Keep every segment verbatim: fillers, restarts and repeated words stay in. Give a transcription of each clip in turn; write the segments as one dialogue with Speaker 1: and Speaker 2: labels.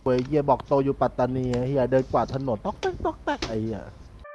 Speaker 1: เว้ยเฮียบอกโตอยู่ปัตตานีเฮียเดินกวาดถนนต๊อกแต๊กต๊อกแต๊กไอ้เฮีย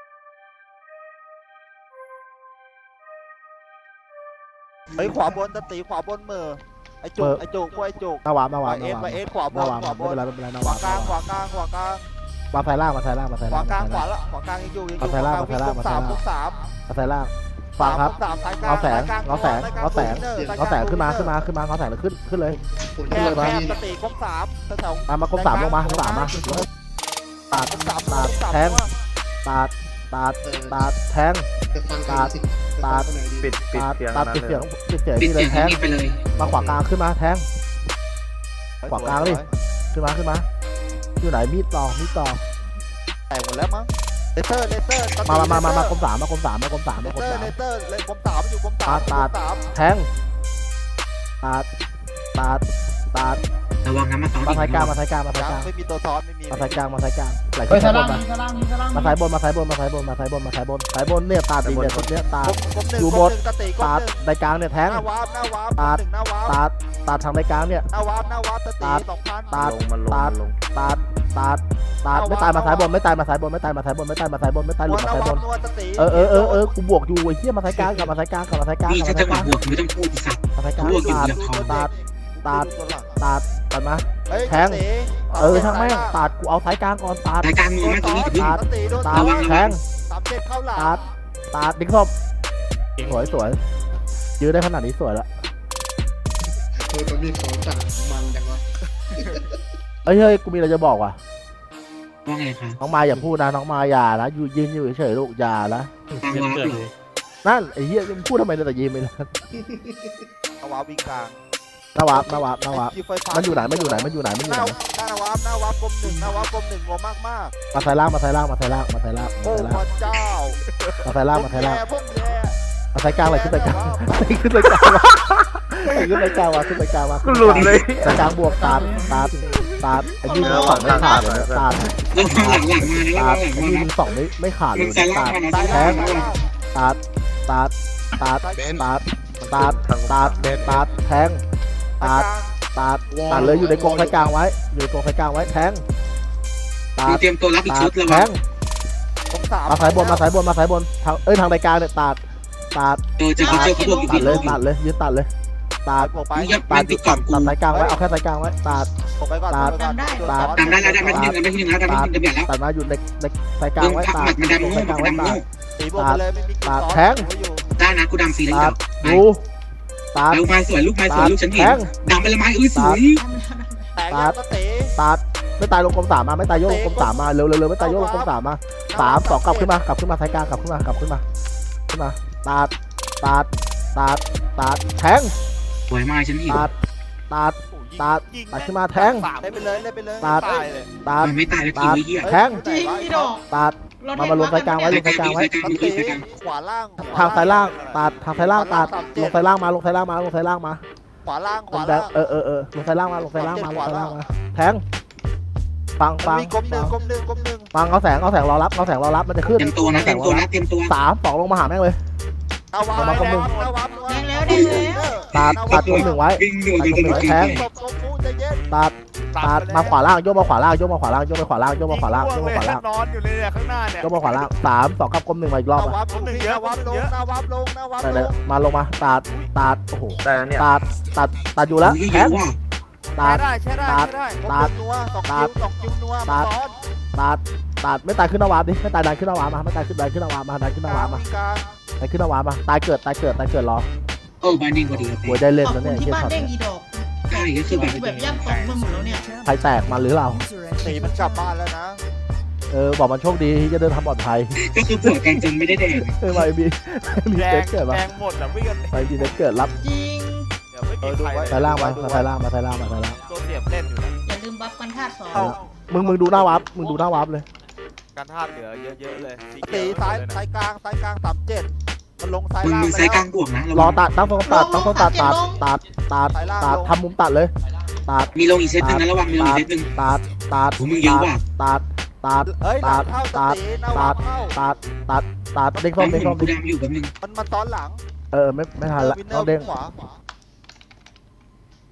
Speaker 2: ไอ้ขวาบนตะตีขวาบนมือไอ้จุกไอ้จุกพวกไอ้จุก
Speaker 1: หน้าวามหน้าวาม
Speaker 2: เอสไปเอสขวาบ
Speaker 1: หน้าน วาม
Speaker 2: ขวาบ
Speaker 1: ไม่เป็น
Speaker 2: น
Speaker 1: ไรไม่เป็นไรหน้า
Speaker 2: ข
Speaker 1: วาว
Speaker 2: าม กลางขวากลางขวากลาง
Speaker 1: มาไซล่างมาไซล่างมาไซ
Speaker 2: ข
Speaker 1: ล่าง
Speaker 2: วากลางขวาละขวากลางยังอยู่ยังอยู่
Speaker 1: มาไซล่างมาไซล่างมาไซ
Speaker 2: สาม
Speaker 1: ล่าง
Speaker 2: พวกสาม
Speaker 1: มาไซล่างฟังครับ
Speaker 2: สามสายกลาง
Speaker 1: เอาแสง
Speaker 2: สายกล
Speaker 1: เอาแสง
Speaker 2: สยกล
Speaker 1: เอาแสง
Speaker 2: สยกล
Speaker 1: เอาแสงขึ้นมาขึ้นมาขึ้นมาเอาแสงเลยขึ้นขึ้นเลย
Speaker 3: คุณ
Speaker 2: แค
Speaker 3: ขึ้น
Speaker 2: บ
Speaker 3: เลย
Speaker 2: แค
Speaker 3: มา
Speaker 2: บตะตีกองสามแถว
Speaker 1: ตามมากลมสามลงมากลมสามมาตาด
Speaker 2: กองสาม
Speaker 1: ตาด
Speaker 2: สาม
Speaker 1: แทงตาดตาดตาดแทง
Speaker 3: จะฟัง
Speaker 1: ตาดตาด
Speaker 4: ปิดปิด
Speaker 1: ตาด
Speaker 4: เสียง
Speaker 1: ตาด
Speaker 4: นั้น
Speaker 1: ปิด
Speaker 4: เล
Speaker 1: เสีย
Speaker 4: ย
Speaker 1: งปิดเสียง
Speaker 5: ปิด
Speaker 1: นี่เล
Speaker 5: เสีย
Speaker 1: ย
Speaker 5: ง
Speaker 1: แทง
Speaker 5: นี้ไปเลย
Speaker 1: มาขวากลางขึ้นมาแทงขวากลางดิขึ้นมาขึ้นมาอยู่ไหนมีดต่อมีดต่อ
Speaker 2: แตกหมดแล้วมั้งเลเซอร์เลเซอร์ตะตี
Speaker 1: มามามามา
Speaker 2: เล
Speaker 1: มา
Speaker 2: เซ
Speaker 1: ก
Speaker 2: อ
Speaker 1: ล
Speaker 2: ร์
Speaker 1: มสามมากลมสามมากลมสาม
Speaker 2: เล
Speaker 1: มากลม
Speaker 2: เซอ
Speaker 1: สา
Speaker 2: ร์
Speaker 1: ม
Speaker 2: เลเซอร์เลยกลมสามอยู่กลมสาม
Speaker 1: ตาด
Speaker 2: กลมสาม
Speaker 1: แทงตาดตาดตาด
Speaker 5: ระวังนะมาซ้อน
Speaker 1: มาสายกลางมาสายกลางมาสาย
Speaker 2: ยั
Speaker 1: ก
Speaker 2: ง
Speaker 1: ลาง
Speaker 2: ไม่มีตัวซ้อนไม่มี
Speaker 1: มาสายกลางมาสายกลางไหล
Speaker 6: เฮ้
Speaker 1: ขึ้
Speaker 6: ย
Speaker 1: น
Speaker 6: ส
Speaker 1: สายบ
Speaker 6: ลาม
Speaker 1: นมา
Speaker 6: มีสลามมีสลาม
Speaker 1: มาสายบนมาสายบนมาสายบนมาสายบนมาสายบนสายบนเนี่ยตาดดีเนี่ยชุดเนี้ยตาด
Speaker 2: กลมหนึ่ง
Speaker 1: อยู่
Speaker 2: กล
Speaker 1: บ
Speaker 2: ม
Speaker 1: น
Speaker 2: หนึ่งตะตีกลม
Speaker 1: ตาด
Speaker 2: หนึ่ง
Speaker 1: ในกลางเนี่ยแทง
Speaker 2: หน้าวาร์ปหน้าวาร์ป
Speaker 1: ตาด
Speaker 2: หนึ่งหน้าวาร์ป
Speaker 1: ตาดตาดทางในกลางเนี่ย
Speaker 2: หน้าวาร์ปหน้าวาร์ปตะตี
Speaker 1: ตาด
Speaker 2: สองพัน
Speaker 1: ตาด
Speaker 4: ลงมันลงมันลง
Speaker 1: ตาดตาดตาดไม่ตายมาสายบนไม่ตายมาสายบนไม่ตายมาสายบนไม่ตายมาสายบนไม่ตายหลุด
Speaker 2: ห
Speaker 1: มา
Speaker 2: น้า
Speaker 1: สายบ
Speaker 2: วาร์
Speaker 1: น
Speaker 2: ปนวดตะตี
Speaker 1: เออเออเออเออกูบวกอยู่ไอ้เหี้ยมาสายกลางกลับมาสายกลางกลับมาสายกลาง
Speaker 5: นี่
Speaker 1: กลับ
Speaker 5: ถ้า
Speaker 1: มา
Speaker 5: จั
Speaker 1: สาง ย
Speaker 5: ห
Speaker 1: ก
Speaker 5: วะ
Speaker 1: ลาง
Speaker 5: บวกไม่ต้องพูดอีสัตว์
Speaker 1: มาสายกลาง
Speaker 5: บวกอยู่
Speaker 1: ตาด
Speaker 5: แบบทอง
Speaker 1: ตาดตาดตาดตัดมา
Speaker 2: เฮ้ย
Speaker 1: แทง
Speaker 2: ตะตี
Speaker 1: เออช่างแม่งตาดกูเอาสายกลางก่อนตาด
Speaker 5: รายการมือมาตรงนี้ถึง
Speaker 1: ตาด
Speaker 2: ตะตีโดน
Speaker 1: ตา
Speaker 2: ตา
Speaker 1: ด
Speaker 2: ด
Speaker 1: แทง
Speaker 2: สามเจ็ดเข้าหลัง
Speaker 1: ตาดตาดดิ้งศพสวยสวยยื้อได้ขนาดนี้สวยละ
Speaker 3: เออมันมีของจัดมันจังวะ
Speaker 1: เอ้ยเฮ้ยกูมีอะไรจะบอกว่ะ
Speaker 5: ว่าไงคะ
Speaker 1: น้องมายอย่าพูดนะน้องมายอย่านะอยู่ยืนอยู่เฉยๆลูกอย่านะ
Speaker 5: ฟังว่าเหรอ
Speaker 1: นั่นไอ้เหี้ยมึงพูดทำไมเนี่ยแต่ยืนไปแล้ว
Speaker 2: เอาวาร์ปวิ่งกลาง
Speaker 1: นาวาบนาวาบนาวาบ
Speaker 2: ไอ้ไฟฟ้า
Speaker 1: มันอยู่ไหนมันอยู่ไหนมันอยู่ไหนมันอ
Speaker 2: ห
Speaker 1: ยู่
Speaker 2: น้า
Speaker 1: ไหน
Speaker 2: หน้าวาร์ปหน้าวาร์ปกลมหนึ่งหน้าวาร์ปกลมหนึ่งงงมากมาก
Speaker 1: มาไทยล่างมาไทยล่างมาไทยล่างมาไทยล่าง
Speaker 2: ๆ
Speaker 1: มา
Speaker 2: โอ้
Speaker 1: ไทยล่าง
Speaker 2: พระเจ้า
Speaker 1: มาไทยล่างมาไทยล่าง
Speaker 2: พวกแย่
Speaker 1: มาไทยกลางเลยขึ้นไปกลางขึ้นไปกลางวะขึ้นไปกลางวะขึ้นไปกลางวะ
Speaker 4: กูหลุดเลย
Speaker 1: ไปกลางบวกตาดตาดตาดไอ้ยี่มึงสองไม่ขาดเลยตาด
Speaker 5: ระวังหลังหลังมานะระ
Speaker 1: ตา
Speaker 5: วั
Speaker 1: ด
Speaker 5: งหลัง
Speaker 1: ไอ้
Speaker 5: มา
Speaker 1: ยี่
Speaker 5: นะ
Speaker 1: มึงสองไม่ไม่ขาดเล
Speaker 5: มึ
Speaker 1: ย
Speaker 5: งใส่ล่าง
Speaker 1: ตาด
Speaker 5: มานะ
Speaker 2: ซ้าย
Speaker 5: ใส่
Speaker 2: ล่าง
Speaker 5: ล่าง
Speaker 2: ซ้ายล่าง
Speaker 1: ตาดตาดตาดตาดตาดตาดตาดตาดแทงตาดตาดตาดเลยอยู่ในกรงไฟกลางไว้อยู่ในกรงไฟกลางไว้แทงตา
Speaker 5: มึ
Speaker 1: ด
Speaker 5: งเตรียมตัวรับอีก
Speaker 1: ตา
Speaker 5: ชุ
Speaker 1: ด
Speaker 5: ดระ
Speaker 1: แท
Speaker 5: วัง
Speaker 1: ง
Speaker 2: กลมสาม
Speaker 1: มาสายบนมาสายบนมาสายบนทางเอ้ยทางรายการเนี่ยตัดตัด
Speaker 5: เจอเจอเขาเจอเขาบวกอยู่
Speaker 1: ตั
Speaker 5: ที่
Speaker 1: ด
Speaker 5: บ
Speaker 1: เล
Speaker 5: วย กอยู่
Speaker 1: ตัดเลยยืนตัดเลยตัด
Speaker 2: บวกไป
Speaker 5: มึงอย่า
Speaker 1: ตั
Speaker 5: มั
Speaker 1: ด
Speaker 5: นติดกล่องกู
Speaker 1: ตัดสายกลางไว้เอาแค่สายกลางไว้ตัด
Speaker 2: บวกไปก่อน
Speaker 1: ตัด
Speaker 2: บวกไปก่อน
Speaker 1: ตัด
Speaker 5: ตามได้แล้วได้มาที่หนึ่งได้มาที่หนึ่งแล้วได้มาที่หนึ่งเดี๋ยวแล้ว
Speaker 1: ตัดมาอยู่ในในสายกลาง
Speaker 5: มึง
Speaker 1: ไว้
Speaker 5: พัก
Speaker 1: ตั
Speaker 5: หมั
Speaker 1: ด
Speaker 5: ดมันดำ
Speaker 1: ลง
Speaker 5: โง่
Speaker 1: สายกลางไว้ตัด
Speaker 5: มันดำโง่
Speaker 2: ตีบวกไปเลยไม่มีกิน
Speaker 1: ตัด
Speaker 2: ซ้อน
Speaker 1: แทง
Speaker 2: อยู่
Speaker 5: ได้นะกูดำฟรีแล้ว
Speaker 1: ตั
Speaker 5: จั
Speaker 1: ด
Speaker 5: บ
Speaker 1: ดูตัด
Speaker 5: เอาไม้สวยลูกไม้สวยลูกฉันเห็
Speaker 1: แท
Speaker 5: น
Speaker 1: ง
Speaker 5: ดำไปละไม้เอ้ยสวย
Speaker 2: แตกยัดตะตี
Speaker 1: ตัดไม่ตายลงกลมสามมาไม่ตายโยกลงกลมสามมาเร็วเร็วเร็วไม่ตายโยกลงกลมสามมาสามสองกลับขึ้นมากลับขึ้นมาสายกลางกลับขึ้นมากลับขึ้นมาขึ้นมาตัดตัดตัดตัดแทง
Speaker 5: สวยมากฉันเห็น
Speaker 1: ตัดตัดตัดตัดขึ้นมาแทง
Speaker 2: เล่นไปเลยเล่นไปเลย
Speaker 1: ตัด
Speaker 2: ตายเลย
Speaker 1: ตัด
Speaker 5: มันไม่ตายแล้วที
Speaker 1: ตัด
Speaker 5: ไอ้เหี้ย
Speaker 1: แทง
Speaker 6: จริงอีดอก
Speaker 1: ตัด มามาลงสายกลางไว้ลงสายกลางไว้
Speaker 2: ตะตีขวาล่าง
Speaker 1: ทางสายล่างตัดทางสายล่างตัดลงสายล่างมาลงสายล่างมาลงสายล่างมา
Speaker 2: ขวาล่างข
Speaker 1: ล
Speaker 2: วาง
Speaker 1: แด
Speaker 2: ล่าง ง
Speaker 1: เออเออเออลงสายล่างมาลงสายล่างมาลงสายล่างมาแทงฟังฟัง
Speaker 2: มีกลมหนึ่งกลมหนึ่งกลมหนึ่ง
Speaker 1: ฟังเอาแสงเอาแสงรอรับเอาแสงรอรับมันจะขึ้น
Speaker 5: เตรียมตัวนะเตรียมตัวนะเตรียมตัว
Speaker 1: สามสองลงมาหาแม่งเลย
Speaker 2: เอาวา
Speaker 1: เอามากลมหนึ่ง
Speaker 2: เอาวา
Speaker 6: แดงแล้วแดงแล้ว
Speaker 1: ตัดตัดกลมหนึ่งไว้
Speaker 5: วิ่งอยู่อยู่ตรงนี้
Speaker 1: แทง
Speaker 2: ตบตบฟูใจเย็น
Speaker 1: ตัดตัดมาขวาล่างโยกมาขวาล่างโยกมาขวาล่างโยกมาขวาล่างโยกมาขวาล่างโยกมาขวาล่าง
Speaker 4: นอนอยู่เลยเนี่ยข้างหน้าเนี่ย
Speaker 1: โยกมาขวาล่างสามสองกับกลมหนึ่งมาอีกรอบ
Speaker 2: เอา
Speaker 1: อ่ะ
Speaker 2: วาลงหน้าวาลงหน้าวาลงหน้าวา
Speaker 1: ได้
Speaker 2: ล
Speaker 1: เลย
Speaker 2: ง
Speaker 1: มาลงมาตัดตัดโอ้โห
Speaker 4: ได้แล้วเนี่ย
Speaker 1: ตัดตัดตัดอยู่แล้ว
Speaker 5: เย
Speaker 1: แท
Speaker 5: อะ
Speaker 1: ง
Speaker 5: ว่ะ
Speaker 1: ตัด
Speaker 2: ได้ใช่ได้
Speaker 1: ตัด
Speaker 2: ใช่ได้
Speaker 1: ตัด
Speaker 2: นัวสอง
Speaker 1: ตั
Speaker 2: คิ
Speaker 1: ด
Speaker 2: วสองคิวนัว
Speaker 1: ตั
Speaker 2: มา
Speaker 1: ด
Speaker 2: ซ้อน
Speaker 1: ตัดตัดไม่ตายขึ้นนาวาดิไม่ตายดันขึ้นนาวามาไม่ตายขึ้นดันขึ้นนาวามาดันขึ้นนาวามา
Speaker 2: วิ่งกลาง
Speaker 1: ดันขึ้นนาวามาตายเกิดตายเกิดตายเกิดรอ
Speaker 5: เออบานเด้งพอดีครับ
Speaker 1: โวยได้เล่น
Speaker 6: ขอบ
Speaker 1: แล้ว
Speaker 6: คุ
Speaker 1: เนี่ย
Speaker 6: ณที่
Speaker 1: เชี่ย
Speaker 6: บ้าน
Speaker 1: ช็อต
Speaker 6: เด้ง
Speaker 1: เนี่ย
Speaker 6: อีดอก
Speaker 5: ใช่ก็คือแบบ
Speaker 6: แบบย่ำตกไปหมดแล้วเนี่ย
Speaker 1: ใครแตกมาหรือเรา
Speaker 2: ตีมันกลับบ้านแล้วนะ
Speaker 1: เออบอกมันโชคดีที่จะเดินทางปลอดภัย
Speaker 5: ก็คือผัวกันจนไม่ได้แดง
Speaker 1: เออมาไอบีมี
Speaker 4: แด
Speaker 1: เซ็
Speaker 4: ง
Speaker 1: ตเกิด
Speaker 4: แด
Speaker 1: ปะ
Speaker 4: งหมดอ่ะวิ่งกัน
Speaker 1: ไปบีเซ็ตเกิดรับ
Speaker 6: จริง
Speaker 4: เดี๋ยวไม่กินใคร
Speaker 1: สายล่างมามาสายล่างมาสายล่างมาสายล่าง
Speaker 4: ตัวเสียบเล่นอยู่นะ
Speaker 6: อย่าลืมบัฟกันธาตุสอง
Speaker 4: เอ้า
Speaker 1: มึงมึงดูหน้าวับมึงดูหน้าวับเลย
Speaker 4: การท่าเหลือเยอะๆเลยสี
Speaker 2: ตี
Speaker 4: เขีว
Speaker 2: ซ้าย
Speaker 4: เลยนะ
Speaker 2: ซ้ายกลางซ้ายกลางสามเจ็ดมันลงซ้าย
Speaker 5: มึง
Speaker 2: ล่าง
Speaker 5: มึง
Speaker 2: ไป
Speaker 5: ใส่ก
Speaker 2: แล้
Speaker 5: ลาว งบวกนะ
Speaker 1: รอตัดตั้งโฟกัสตัดตั้งโฟกัสตัดตัดตัดตัดทำมุมตัดเลยตัด
Speaker 5: มีลงอีกเซตหนึ่งนะระวังมีลงอีกเซตหนึ่ง
Speaker 1: ตัดตัด
Speaker 5: โอ้มึงเยอะว่ะ
Speaker 1: ตัดตัด
Speaker 2: เฮ้ย
Speaker 1: ตั
Speaker 2: ดา
Speaker 1: ด
Speaker 2: บเข้าตะ
Speaker 1: ตัด
Speaker 2: ตีนาวา
Speaker 1: ตัด
Speaker 2: เข้า
Speaker 1: ตัดตัดตัดเด้งส้มเด้งส้ม
Speaker 5: กูดำอยู่แบบนึง
Speaker 2: มันมาซ้อนหลัง
Speaker 1: เออไม่ไม่ทันละ
Speaker 2: วินเนอ
Speaker 1: เอา
Speaker 2: ร์
Speaker 1: เด้ง
Speaker 2: ขวา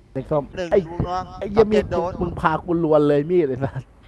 Speaker 1: เด็กส้ม
Speaker 2: หนึ่ง
Speaker 1: ไอ้
Speaker 2: ลูกน้อง
Speaker 1: ไอ้เหี้ยมีด
Speaker 2: โด
Speaker 1: มึง
Speaker 2: น
Speaker 1: มึงพากูลวนเลยมีดเลยนะ